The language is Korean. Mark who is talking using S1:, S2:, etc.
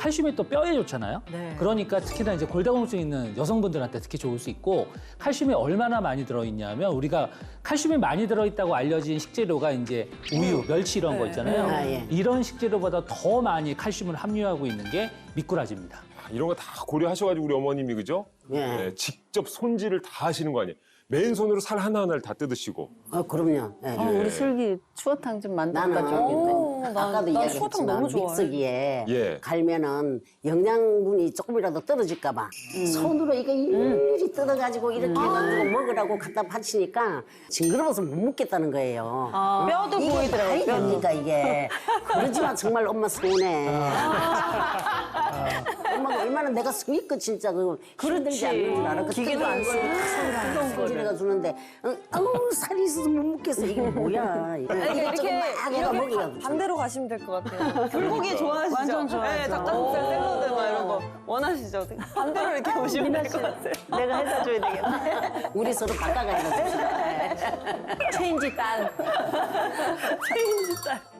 S1: 칼슘이 또 뼈에 좋잖아요.
S2: 네.
S1: 그러니까 특히나 이제 골다공증 있는 여성분들한테 특히 좋을 수 있고 칼슘이 얼마나 많이 들어있냐면 우리가 칼슘이 많이 들어있다고 알려진 식재료가 이제 우유, 멸치 이런 거 있잖아요.
S3: 아, 예.
S1: 이런 식재료보다 더 많이 칼슘을 함유하고 있는 게 미꾸라지입니다.
S4: 이런 거 다 고려하셔가지고 우리 어머님이 그죠?
S3: 예.
S4: 네, 직접 손질을 다 하시는 거 아니에요? 맨손으로 살 하나하나를 다 뜯으시고.
S3: 그럼요. 예.
S5: 우리 슬기 추어탕 좀 만들까
S3: 나는
S5: 좀.
S3: 아까도
S2: 난 추어탕
S3: 이야기했지만
S2: 너무 좋아해.
S3: 믹서기에
S4: 예.
S3: 갈면은 영양분이 조금이라도 떨어질까 봐 손으로 이거 일일이 뜯어가지고 이렇게 해가지고 먹으라고 갖다 바치니까 징그러워서 못 먹겠다는 거예요.
S2: 뼈도
S3: 이게
S2: 보이더라고요.
S3: 말이 됩니까 이게. 그러지만 정말 엄마 서운해. 엄마가 얼마나 내가 성의껏 진짜 그 힘들지 않는 줄 알아. 그
S2: 기계도 안 쓰고
S3: 손질해가 주는데 아우 살이 있어서 못 먹겠어. 이게 뭐야.
S2: 이렇게
S3: 먹이가
S2: 반대로 가시면 될 것 같아요. 불고기 좋아하시죠?
S5: 완전 좋아하죠.
S2: 네, 닭가슴살 샐러드 막 이런 거 원하시죠? 반대로 이렇게 오시면 될 것 같아요.
S5: 내가 해다 줘야 되겠네.
S3: 우리 서로 바꿔가지고 줍시다.
S5: 체인지 딸.
S2: 체인지 딸.